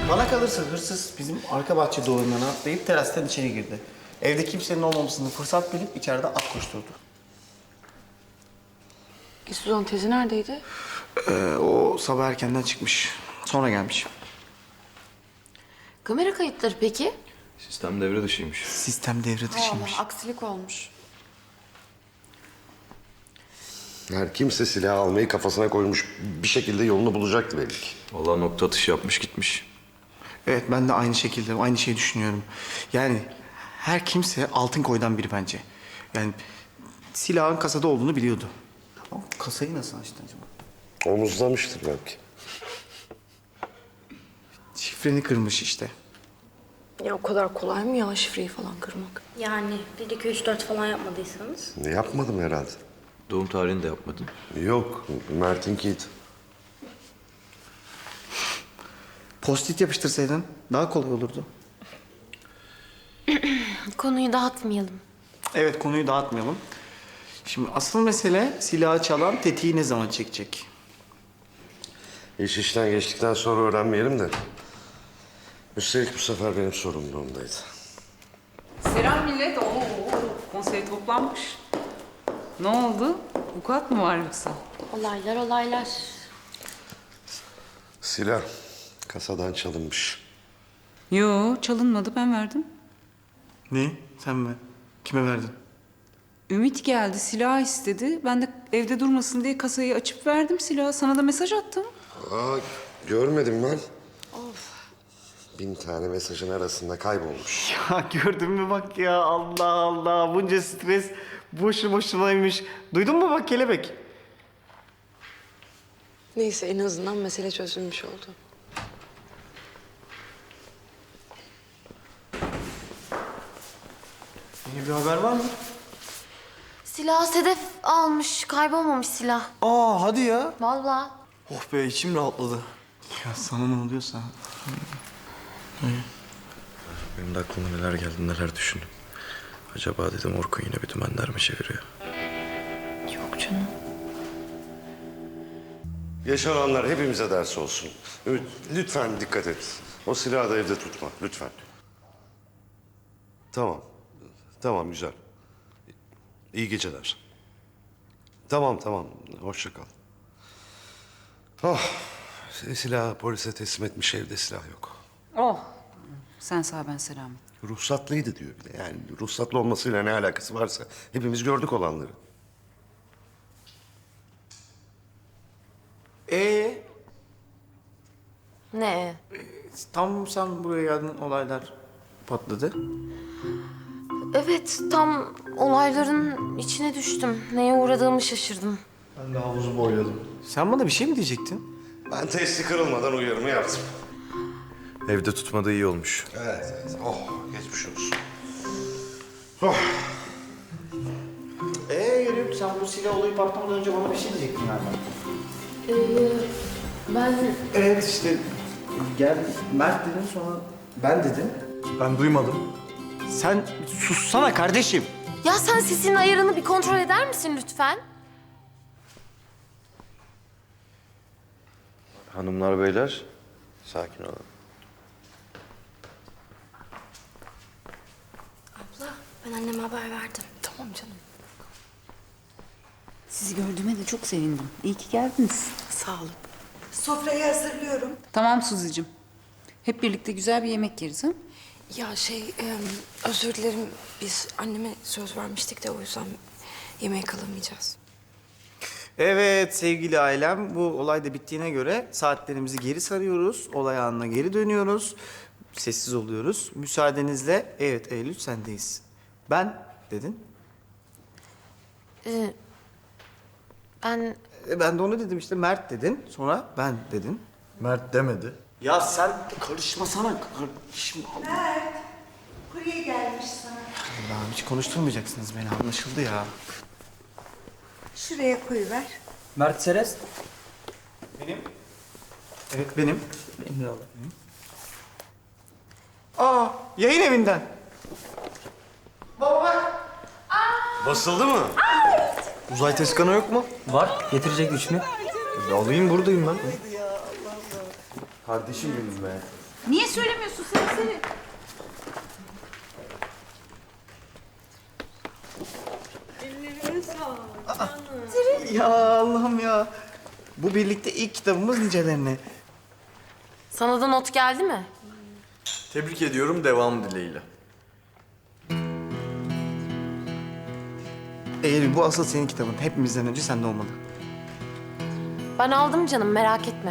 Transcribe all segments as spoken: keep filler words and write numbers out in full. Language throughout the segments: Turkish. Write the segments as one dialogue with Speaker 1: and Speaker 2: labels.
Speaker 1: Bana kalırsa hırsız bizim arka bahçe duvarından atlayıp terastan içeri girdi. Evde kimsenin olmamasını fırsat bilip içeride at koşturdu.
Speaker 2: E, Suzan teyze neredeydi?
Speaker 1: Ee, o sabah erkenden çıkmış. Sonra gelmiş.
Speaker 2: Kamera kayıtları peki?
Speaker 3: Sistem devre dışıymış.
Speaker 1: Sistem devre dışıymış.
Speaker 2: Allah, aksilik olmuş.
Speaker 4: Her kimse silah almayı kafasına koymuş, bir şekilde yolunu bulacaktı belli ki.
Speaker 3: Vallahi nokta atışı yapmış gitmiş.
Speaker 1: Evet, ben de aynı şekilde, aynı şeyi düşünüyorum. Yani her kimse altın koydan biri bence. Yani silahın kasada olduğunu biliyordu. Ama kasayı nasıl açtı acaba?
Speaker 4: Omuzlamıştır belki.
Speaker 1: Şifreni kırmış işte.
Speaker 2: Ya o kadar kolay mı ya şifreyi falan kırmak?
Speaker 5: Yani bir, iki, üç, dört falan yapmadıysanız.
Speaker 4: Ne yapmadım herhalde.
Speaker 3: Doğum tarihini de yapmadın.
Speaker 4: Yok, Mert'inkiydi.
Speaker 1: Post-it yapıştırsaydın daha kolay olurdu.
Speaker 5: Konuyu dağıtmayalım.
Speaker 1: Evet, konuyu dağıtmayalım. Şimdi asıl mesele silahı çalan tetiği ne zaman çekecek?
Speaker 4: İş işten geçtikten sonra öğrenmeyelim de. Üstelik bu sefer benim sorumluluğumdaydı.
Speaker 6: Selam millet. Oo, konsey toplanmış. Ne oldu? Vukuat mı var yoksa?
Speaker 5: Olaylar olaylar.
Speaker 4: Silah kasadan çalınmış.
Speaker 6: Yo, çalınmadı. Ben verdim.
Speaker 1: Ne? Sen mi? Kime verdin?
Speaker 6: Ümit geldi, silah istedi. Ben de evde durmasın diye kasayı açıp verdim silahı. Sana da mesaj attım.
Speaker 4: Aa, görmedim ben. Of. Bin tane mesajın arasında kaybolmuş.
Speaker 1: Ya gördün mü bak ya, Allah Allah, bunca stres boşu boşunaymış. Duydun mu bak kelebek?
Speaker 2: Neyse en azından mesele çözülmüş oldu.
Speaker 1: Yeni bir haber var mı?
Speaker 5: Silah Sedef almış. Kaybolmamış silah.
Speaker 1: Aa, hadi ya.
Speaker 5: Vallahi.
Speaker 1: Oh be, içim rahatladı. Ya sana ne oluyorsa.
Speaker 3: Benim de aklıma neler geldi, neler düşündüm. Acaba dedim Orkun yine bir dümenler mi çeviriyor?
Speaker 2: Yok canım.
Speaker 4: Yaşananlar hepimize ders olsun. Ümit, lütfen dikkat et. O silahı da evde tutma, lütfen. Tamam. Tamam, güzel. İyi geceler. Tamam, tamam. Hoşça kal. Oh, silahı polise teslim etmiş, evde silah yok.
Speaker 6: Oh. Sen sağ ben selamet.
Speaker 4: Ruhsatlıydı diyor bir de. Yani ruhsatlı olmasıyla ne alakası varsa hepimiz gördük olanları.
Speaker 1: Ee,
Speaker 5: Ne?
Speaker 1: tam sen buraya geldin, olaylar patladı.
Speaker 5: Evet, tam olayların içine düştüm. Neye uğradığımı şaşırdım.
Speaker 1: Ben de havuzu boyladım. Sen bana bir şey mi diyecektin?
Speaker 4: Ben testi kırılmadan uyarımı yaptım.
Speaker 3: Evde tutmadığı iyi olmuş.
Speaker 4: Evet, evet. Oh, geçmiş olsun. Oh.
Speaker 1: Ee yürüyüp sen bu silah olayı patlamadan önce bana bir şey diyecektin galiba.
Speaker 5: Ee, ben...
Speaker 1: Evet işte, gel Mert dedin, sonra ben dedim. Ben duymadım. Sen sussana kardeşim.
Speaker 5: Ya sen sesin ayarını bir kontrol eder misin lütfen?
Speaker 3: Hanımlar beyler, sakin olun.
Speaker 5: Abla, ben anneme haber verdim.
Speaker 2: Tamam canım. Sizi gördüğüme de çok sevindim. İyi ki geldiniz. Sağ olun.
Speaker 7: Sofrayı hazırlıyorum.
Speaker 6: Tamam Suzi'cim. Hep birlikte güzel bir yemek yeriz ha?
Speaker 2: Ya şey, e, özür dilerim. Biz anneme söz vermiştik de o yüzden yemeğe kalamayacağız.
Speaker 1: Evet sevgili ailem, bu olay da bittiğine göre saatlerimizi geri sarıyoruz. Olay anına geri dönüyoruz. Sessiz oluyoruz. Müsaadenizle, evet Eylül sendeyiz. Ben dedin.
Speaker 5: Ee, ben...
Speaker 1: E, ben de onu dedim işte, Mert dedin. Sonra ben dedin.
Speaker 3: Mert demedi.
Speaker 1: Ya sen karışmasana. Karışma.
Speaker 7: Mert, kurye gelmiş sana.
Speaker 1: Allah'ım, hiç konuşturmayacaksınız beni, anlaşıldı ya.
Speaker 7: Şuraya koyuver.
Speaker 8: Mert Seres.
Speaker 1: Benim. Evet benim.
Speaker 8: Benim de oğlum.
Speaker 1: Aa, yayın evinden. Baba bak.
Speaker 4: Basıldı mı?
Speaker 1: Uzay Teskanı yok mu?
Speaker 8: Var. Getirecek üçünü.
Speaker 1: Alayım, buradayım ben.
Speaker 3: Kardeşim benim be.
Speaker 6: Niye söylemiyorsun sen seni?
Speaker 1: Ya Allah'ım ya. Bu birlikte ilk kitabımız nicelerine.
Speaker 5: Sana da not geldi mi?
Speaker 3: Tebrik ediyorum, devam dileğiyle.
Speaker 1: Eylül bu asıl senin kitabın. Hepimizden önce sende olmalı.
Speaker 5: Ben aldım canım, merak etme.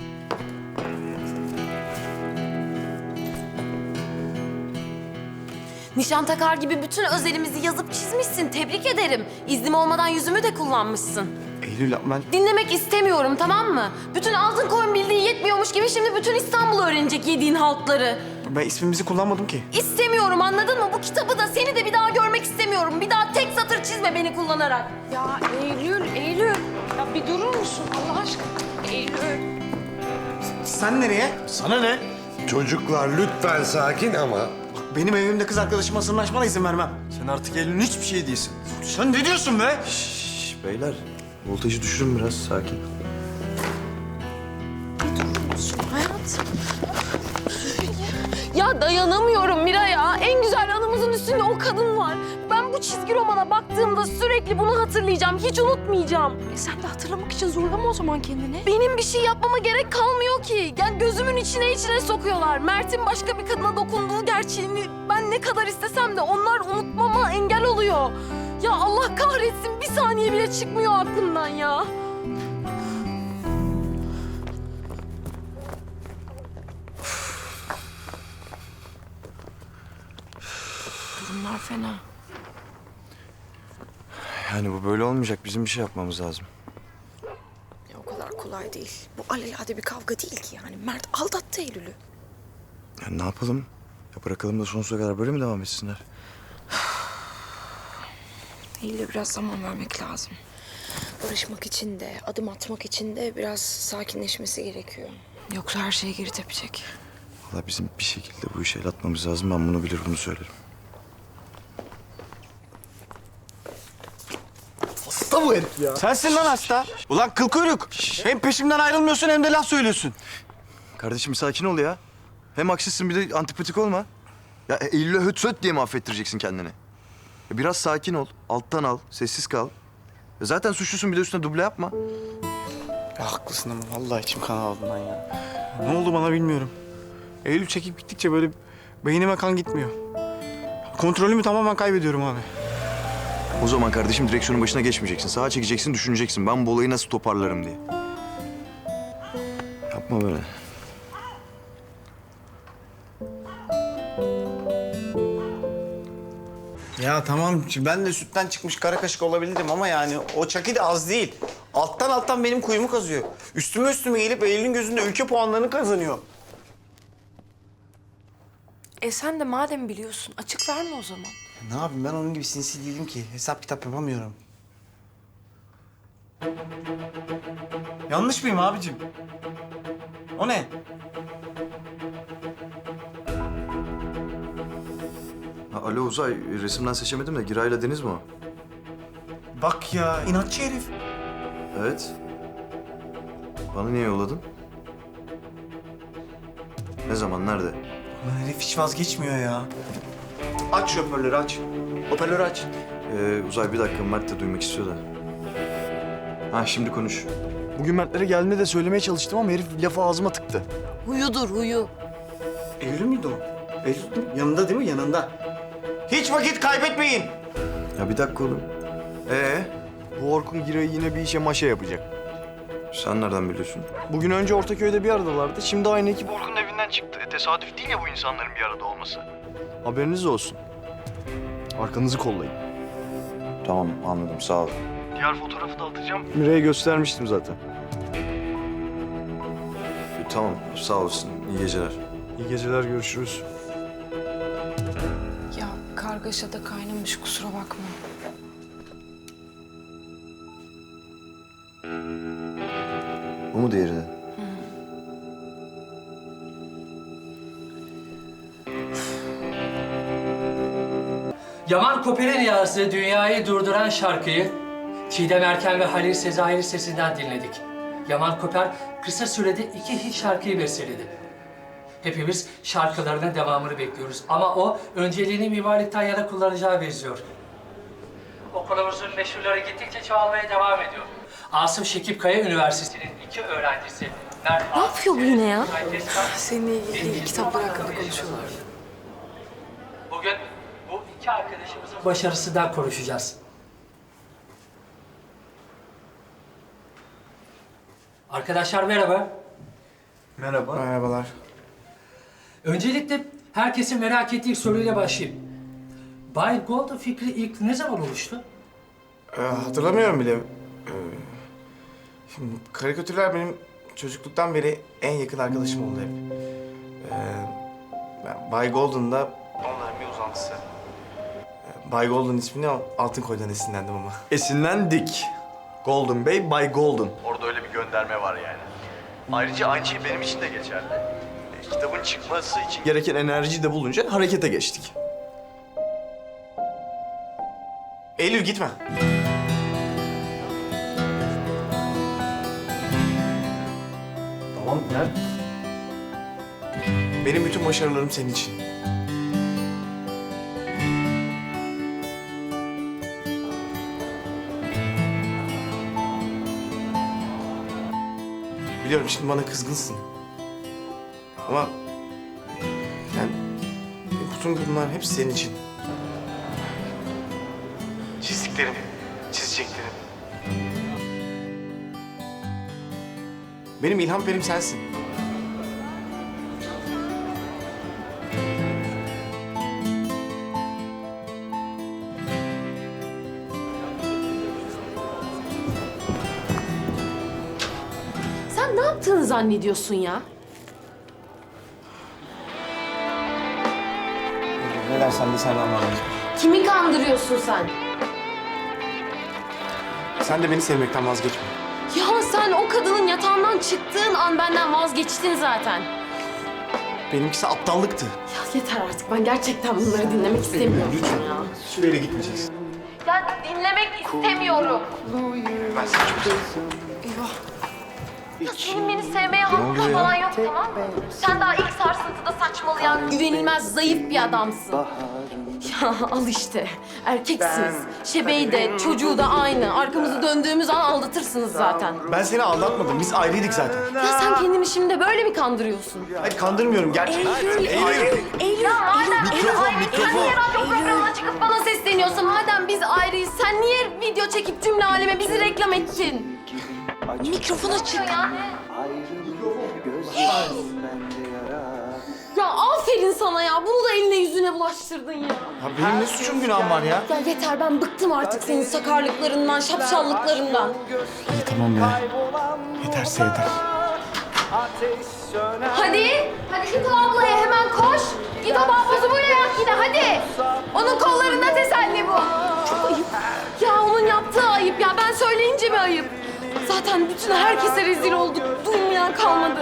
Speaker 5: Nişan takar gibi bütün özelimizi yazıp çizmişsin. Tebrik ederim. İznim olmadan yüzümü de kullanmışsın.
Speaker 1: Eylül ben...
Speaker 5: Dinlemek istemiyorum, tamam mı? Bütün altın koyun bildiği yetmiyormuş gibi şimdi bütün İstanbul öğrenecek yediğin haltları.
Speaker 1: Ben ismimizi kullanmadım ki.
Speaker 5: İstemiyorum, anladın mı? Bu kitabı da seni de bir daha görmek istemiyorum. Bir daha tek satır çizme beni kullanarak.
Speaker 2: Ya Eylül, Eylül. Ya bir durur musun Allah aşkına? Eylül.
Speaker 1: Sen nereye? Sana ne?
Speaker 4: Çocuklar lütfen sakin ama.
Speaker 1: Benim evimde kız arkadaşıma sırnaşmana izin vermem.
Speaker 3: Sen artık Eylül'ün hiçbir şey değilsin.
Speaker 1: Sen ne diyorsun be?
Speaker 3: Şşş beyler, voltajı düşürün biraz, sakin.
Speaker 5: Ya dayanamıyorum Mira ya. En güzel anımızın üstünde o kadın var. Ben bu çizgi romana baktığımda sürekli bunu hatırlayacağım. Hiç unutmayacağım.
Speaker 2: E sen de hatırlamak için zorlama o zaman kendini.
Speaker 5: Benim bir şey yapmama gerek kalmıyor ki. Yani gözümün içine içine sokuyorlar. Mert'in başka bir kadına dokunduğu gerçeğini ben ne kadar istesem de onlar unutmama engel oluyor. Ya Allah kahretsin, bir saniye bile çıkmıyor aklımdan ya.
Speaker 2: Durumlar fena.
Speaker 3: Yani bu böyle olmayacak, bizim bir şey yapmamız lazım.
Speaker 2: Ya o kadar kolay değil. Bu alelade bir kavga değil ki yani. Mert aldattı Eylül'ü.
Speaker 3: Yani ne yapalım? Ya bırakalım da sonsuza kadar böyle mi devam etsinler?
Speaker 2: Eylül'e biraz zaman vermek lazım. Barışmak için de, adım atmak için de biraz sakinleşmesi gerekiyor. Yoksa her şey geri tepecek.
Speaker 3: Valla bizim bir şekilde bu işe el atmamız lazım. Ben bunu bilir, bunu söylerim.
Speaker 1: Hasta bu herif ya. Sensin lan hasta. Ulan kıl kuyruk. Hem peşimden ayrılmıyorsun hem de laf söylüyorsun.
Speaker 3: Kardeşim sakin ol ya. Hem haksızsın, bir de antipatik olma. Ya Eylül'e höt söt diye mi affettireceksin kendini? Ya biraz sakin ol, alttan al, sessiz kal. Ya zaten suçlusun, bir de üstüne duble yapma.
Speaker 1: Ya haklısın ama vallahi içim kan aldı lan ya. Ne oldu bana bilmiyorum. Eylül çekip gittikçe böyle beynime kan gitmiyor. Kontrolümü tamamen kaybediyorum abi.
Speaker 3: O zaman kardeşim direksiyonun başına geçmeyeceksin. Sağa çekeceksin, düşüneceksin. Ben bu olayı nasıl toparlarım diye. Yapma böyle.
Speaker 1: Ya tamam ben de sütten çıkmış kara kaşık olabilirim ama yani o Çaki de az değil. Alttan alttan benim kuyumu kazıyor. Üstüme üstüme gelip Eylül'ün gözünde ülke puanlarını kazanıyor.
Speaker 2: E sen de madem biliyorsun açık verme o zaman.
Speaker 1: Ne yapayım ben onun gibi sinsi değilim ki. Hesap kitap yapamıyorum. Yanlış mıyım abicim? O ne?
Speaker 3: Ha, alo Uzay, resimden seçemedim de Giray'la Deniz mi o?
Speaker 1: Bak ya inatçı herif.
Speaker 3: Evet. Bana niye yolladın? Ne zaman, nerede?
Speaker 1: Ulan herif hiç vazgeçmiyor ya. Aç şu hoparlörü aç. Hoparlörü aç.
Speaker 3: Ee, Uzay bir dakika, Mert de duymak istiyor da. Ha şimdi konuş. Bugün Mertlere geldiğinde de söylemeye çalıştım ama herif lafı ağzıma tıktı.
Speaker 5: Huyudur huyu.
Speaker 1: Eylül müydü o? Eylül değil mi? Yanında değil mi? Yanında. Hiç vakit kaybetmeyin.
Speaker 3: Ya bir dakika oğlum. Ee?
Speaker 9: Bu Orkun Giray'ı yine bir işe maşa yapacak.
Speaker 3: Sen nereden biliyorsun?
Speaker 9: Bugün önce Ortaköy'de bir aradalardı. Şimdi aynı ekip Orkun'un evinden çıktı. E, tesadüf değil ya bu insanların bir arada olması. Haberiniz olsun. Arkanızı kollayın.
Speaker 3: Tamam anladım, sağ ol.
Speaker 9: Diğer fotoğrafı da atacağım. Mire'ye göstermiştim zaten.
Speaker 3: E, tamam, sağ olasın. İyi geceler.
Speaker 9: İyi geceler, görüşürüz.
Speaker 2: Ya kargaşada kaynamış kusura bakma.
Speaker 3: Bu mu diğeri de?
Speaker 10: Yaman Koper'in yazdığı Dünyayı Durduran şarkıyı Çiğdem Erken ve Halil Sezai'nin sesinden dinledik. Yaman Koper kısa sürede iki hit şarkıyı besteledi. Hepimiz şarkılarının devamını bekliyoruz. Ama o önceliğini mimarlıktan yana kullanacağı benziyor. Okulumuzun meşhurları gittikçe çoğalmaya devam ediyor. Asım Şekip Kaya Üniversitesi'nin iki öğrencisi Mert
Speaker 5: Ne yapıyor bu yine ya?
Speaker 2: Seninle ilgili kitaplar hakkında konuşuyorlar.
Speaker 10: Bugün bu iki arkadaşımızın başarısından konuşacağız. Arkadaşlar merhaba.
Speaker 9: Merhaba.
Speaker 1: Merhabalar.
Speaker 10: Öncelikle herkesin merak ettiği soruyla başlayayım. Bay Golden fikri ilk ne zaman oluştu?
Speaker 1: Ee, hatırlamıyorum bile. Ee, şimdi karikatürler benim çocukluktan beri en yakın arkadaşım oldu hep. Ee, ben Bay Golden da onların bir uzantısı. Ee, Bay Golden ismini Altın Koy'dan esinlendim ama.
Speaker 9: Esinlendik. Golden Bey, Bay Golden. Orada öyle bir gönderme var yani. Ayrıca aynı şey benim için de geçerli. E, kitabın çıkması için gereken enerjiyi de bulunca harekete geçtik.
Speaker 1: Eylül gitme.
Speaker 9: Tamam, Mert.
Speaker 1: Benim bütün başarılarım senin için. Biliyorum şimdi bana kızgınsın. Ama yani bütün bunlar hepsi senin için. Çizdiklerim, çizeceklerim. Benim ilham perim sensin.
Speaker 5: Sen ne yaptığını zannediyorsun ya?
Speaker 1: Ne dersen de senden vazgeçme.
Speaker 5: Kimi kandırıyorsun sen?
Speaker 1: Sen de beni sevmekten vazgeçme.
Speaker 5: Ya sen o kadının yatağından çıktığın an benden vazgeçtin zaten.
Speaker 1: Benimkisi aptallıktı.
Speaker 5: Ya yeter artık. Ben gerçekten bunları dinlemek istemiyorum ya.
Speaker 1: Hiçbir yere gitmeyeceğiz.
Speaker 5: Ya dinlemek istemiyorum.
Speaker 1: Ben seni çok seviyorum.
Speaker 5: Ya senin beni sevmeye hakkın falan yok, tamam mı? Sen daha ilk sarsıntıda saçmalayan, güvenilmez, zayıf bir adamsın. Ya al işte. Erkeksiniz. Şebeği de, çocuğu da aynı. Arkamızı döndüğümüz an aldatırsınız zaten.
Speaker 1: Ben seni aldatmadım. Biz ayrıydık zaten.
Speaker 5: Ya sen kendini şimdi böyle mi kandırıyorsun?
Speaker 1: Hayır kandırmıyorum gerçekten.
Speaker 5: Eylül, Eylül, Eylül. Ya madem
Speaker 9: Mikrofon,
Speaker 5: Eylül,
Speaker 9: mikrofon.
Speaker 5: Sen niye radyo programına çıkıp bana sesleniyorsun? Madem biz ayrıyız, sen niye video çekip cümle aleme bizi reklam ettin? Mikrofon açık. Ya aferin sana ya. Bunu da eline yüzüne bulaştırdın ya.
Speaker 1: Ya benim ne suçum günahım var ya?
Speaker 5: Ya yeter, ben bıktım artık senin sakarlıklarından, şapşallıklarından.
Speaker 1: İyi tamam ya. Yeterse yeter.
Speaker 5: Hadi, hadi Şükrü ablaya hemen koş. Git o mahpuzumuyla yap yine hadi. Onun kollarında teselli bu. Çok ayıp. Ya onun yaptığı ayıp ya. Ben söyleyince mi ayıp? Zaten bütün herkese rezil olduk. Duymayan kalmadı.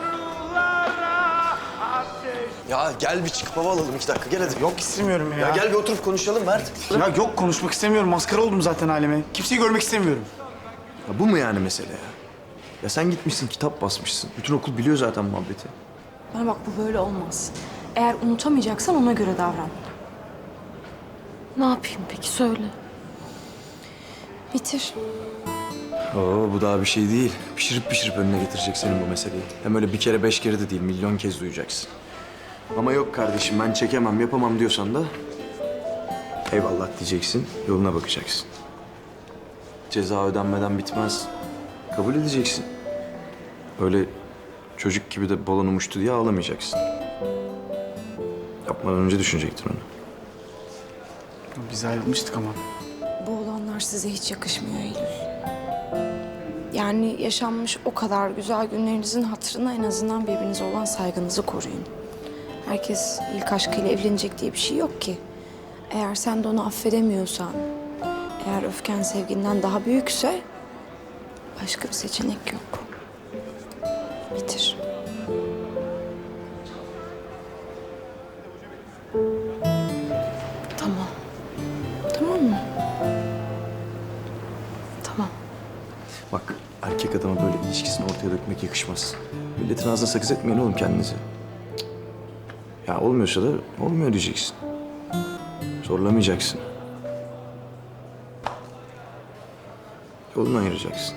Speaker 9: Ya gel bir çıkıp hava alalım iki dakika. Gel hadi.
Speaker 1: Yok istemiyorum ya.
Speaker 9: Ya gel bir oturup konuşalım Mert.
Speaker 1: Ya yok konuşmak istemiyorum. Maskara oldum zaten aleme. Kimseyi görmek istemiyorum.
Speaker 3: Ya bu mu yani mesele ya? Ya sen gitmişsin kitap basmışsın. Bütün okul biliyor zaten muhabbeti.
Speaker 2: Bana bak, bu böyle olmaz. Eğer unutamayacaksan ona göre davran.
Speaker 5: Ne yapayım peki, söyle.
Speaker 2: Bitir.
Speaker 3: Oo bu daha bir şey değil. Pişirip pişirip önüne getirecek senin bu meseleyi. Hem öyle bir kere beş kere de değil, milyon kez duyacaksın. Ama yok kardeşim ben çekemem, yapamam diyorsan da eyvallah diyeceksin, yoluna bakacaksın. Ceza ödenmeden bitmez. Kabul edeceksin. Öyle çocuk gibi de balon uçtu diye ağlamayacaksın. Yapmadan önce düşünecektin onu.
Speaker 1: Biz ayrılmıştık ama.
Speaker 2: Bu olanlar size hiç yakışmıyor Eylül. Yani yaşanmış o kadar güzel günlerinizin hatırına en azından birbirinize olan saygınızı koruyun. Herkes ilk aşkıyla evlenecek diye bir şey yok ki. Eğer sen de onu affedemiyorsan, eğer öfken sevginden daha büyükse başka bir seçenek yok. Bitir. Tamam. Tamam mı? Tamam.
Speaker 3: Bak erkek adama böyle ilişkisini ortaya dökmek yakışmaz. Milletin ağzına sakız etmeyin oğlum kendinizi. Cık. Ya olmuyorsa da olmuyor diyeceksin. Zorlamayacaksın. Yolunu ayıracaksın.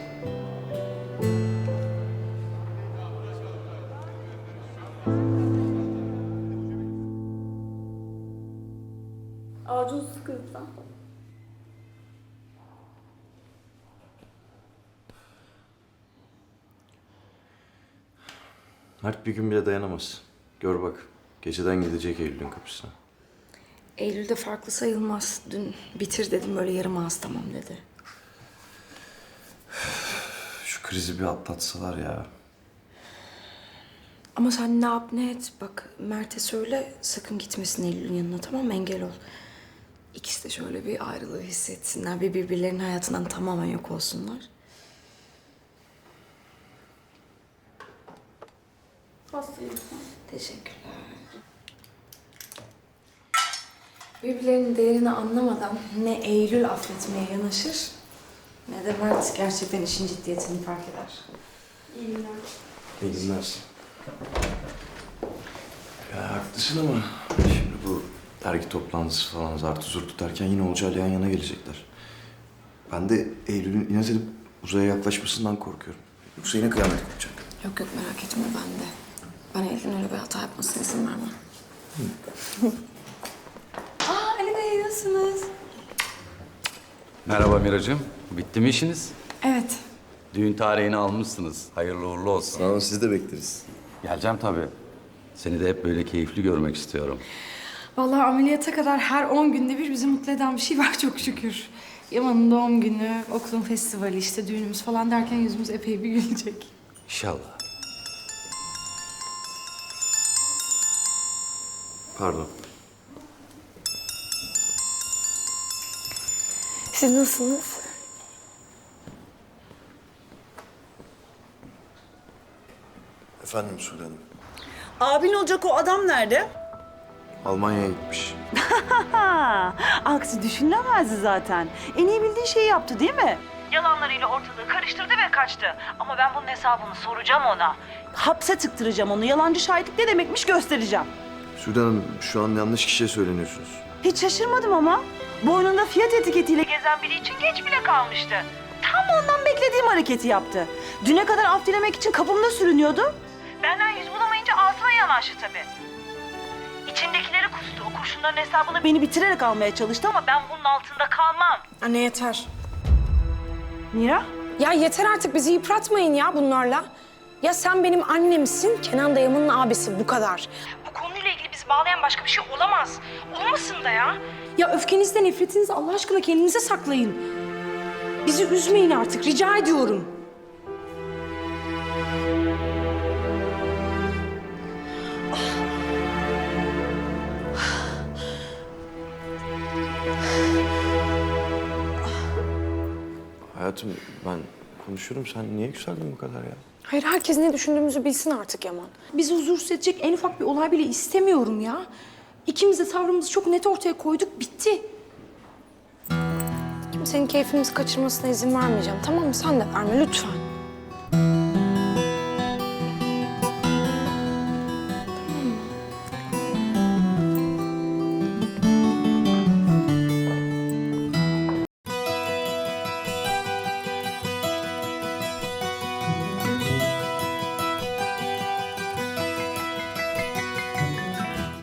Speaker 5: Ağacın sıkıntı.
Speaker 3: Mert bir gün bile dayanamaz. Gör bak, geceden gidecek Eylül'ün kapısına.
Speaker 2: Eylül'de farklı sayılmaz. Dün bitir dedim böyle yarım ağız tamam dedi.
Speaker 3: Şu krizi bir atlatsalar ya.
Speaker 2: Ama sen ne yap ne et. Bak Mert'e söyle sakın gitmesin Eylül'ün yanına tamam mı? Engel ol. İkisi de şöyle bir ayrılığı hissetsinler. Bir birbirlerinin hayatından tamamen yok olsunlar.
Speaker 5: Hastayım.
Speaker 2: Teşekkürler. Birbirlerinin değerini anlamadan ne Eylül affetmeye yanaşır ne de Mert gerçekten işin ciddiyetini fark eder.
Speaker 5: İyi günler.
Speaker 3: İyi günler. Ya haklısın ama şimdi bu dergi toplantısı falan zartı zurtu derken yine Olcay'la yan yana gelecekler. Ben de Eylül'ün inat edip uzaya yaklaşmasından korkuyorum. Yoksa yine kıyamet kopacak.
Speaker 2: Yok yok merak etme ben de. Ben Eylül'ün öyle bir hata yapmasına izin vermem. Aa Ali Bey nasılsınız?
Speaker 11: Merhaba Miracığım. Bitti mi işiniz?
Speaker 2: Evet.
Speaker 11: Düğün tarihini almışsınız. Hayırlı uğurlu olsun.
Speaker 3: Sağ olun, siz de bekleriz.
Speaker 11: Geleceğim tabii. Seni de hep böyle keyifli görmek istiyorum.
Speaker 2: Vallahi ameliyata kadar her on günde bir bizi mutlu eden bir şey var çok şükür. Yaman'ın doğum günü, okulun festivali, işte düğünümüz falan derken yüzümüz epey bir gülecek.
Speaker 11: İnşallah.
Speaker 3: Pardon.
Speaker 2: Siz nasılsınız?
Speaker 3: Efendim Sude Hanım.
Speaker 7: Abin olacak o adam nerede?
Speaker 3: Almanya'ya gitmiş.
Speaker 7: Aksi düşünülemezdi zaten. En iyi bildiği şeyi yaptı değil mi? Yalanlarıyla ortalığı karıştırdı ve kaçtı. Ama ben bunun hesabını soracağım ona. Hapse tıktıracağım onu. Yalancı şahitlik ne demekmiş göstereceğim.
Speaker 3: Sude Hanım, şu an yanlış kişiye söyleniyorsunuz.
Speaker 7: Hiç şaşırmadım ama. Boynunda fiyat etiketiyle gezen biri için geç bile kalmıştı. Tam ondan beklediğim hareketi yaptı. Düne kadar af dilemek için kapımda sürünüyordu. Benden yüz bulamayınca ağzıma yanaştı tabii. İçindekileri kustu. O kurşunların hesabını beni bitirerek almaya çalıştı ama ben bunun altında kalmam.
Speaker 2: Anne yeter.
Speaker 7: Mira?
Speaker 2: Ya yeter artık bizi yıpratmayın ya bunlarla. Ya sen benim annemsin, Kenan dayımın abisi bu kadar.
Speaker 7: Bu konuyla ilgili bizi bağlayan başka bir şey olamaz. Olmasın da ya.
Speaker 2: Ya öfkenizle nefretinizi Allah aşkına kendinize saklayın. Bizi üzmeyin artık rica ediyorum.
Speaker 3: Hayatım, ben konuşuyorum. Sen niye yükseldin bu kadar ya?
Speaker 2: Hayır herkes ne düşündüğümüzü bilsin artık Yaman. Bizi huzursuz edecek en ufak bir olay bile istemiyorum ya. İkimiz de tavrımızı çok net ortaya koyduk, bitti. Kimsenin keyfimizi kaçırmasına izin vermeyeceğim, tamam mı? Sen de verme lütfen.